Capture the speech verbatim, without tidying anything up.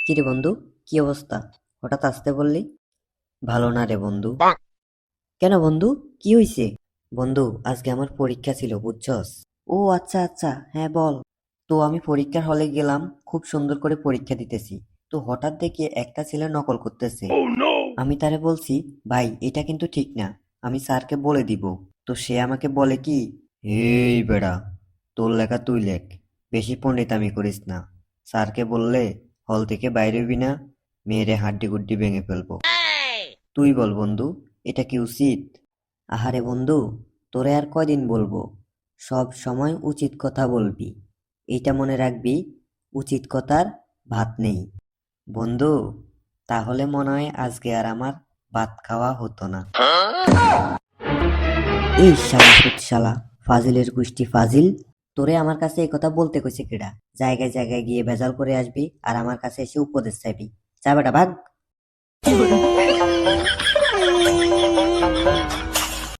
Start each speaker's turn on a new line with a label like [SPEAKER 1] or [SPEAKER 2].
[SPEAKER 1] কিরে বন্ধু, কি অবস্থা? হঠাৎ আসতে বললি? ভালো না রে বন্ধু। কেন বন্ধু, কি হইছে? বন্ধু, আজকে আমার পরীক্ষা ছিল বুঝছস। ও আচ্ছা আচ্ছা, হ্যাঁ বল। তো আমি পরীক্ষার হলে গেলাম, খুব সুন্দর করে পরীক্ষা দিতেছি। তো হঠাৎ দেখি একটা ছেলে নকল করতেছে। আমি তারে বলছি, ভাই এটা কিন্তু ঠিক না, আমি স্যারকে বলে দিব। তো সে আমাকে বলে কি, এই বেড়া, তোর লেখা তুই লেখ, বেশি পণ্ডিতামি করিস না। স্যারকে বললে হল থেকে বাইরে হবি না, মেয়েরে হাড্ডি গুড্ডি ভেঙে ফেলবো। তুই বল বন্ধু, এটা কি উচিত? আহারে বন্ধু, তোরে আর কয়দিন বলবো, সব সময় উচিত কথা বলবি। এইটা মনে রাখবি, উচিত কথার ভাত নেই। বন্ধু, তাহলে মনে হয় আজকে আর আমার ভাত খাওয়া হতো না। এই শালা শালা, ফাজিলের গোষ্ঠী ফাজিল। তোরে আমার কাছে এই কথা বলতে কইছে কেডা? জায়গায় জায়গায় গিয়ে ভেজাল করে আসবি আর আমার কাছে এসে উপদেশ চাইবি? যা বেটা ভাগ।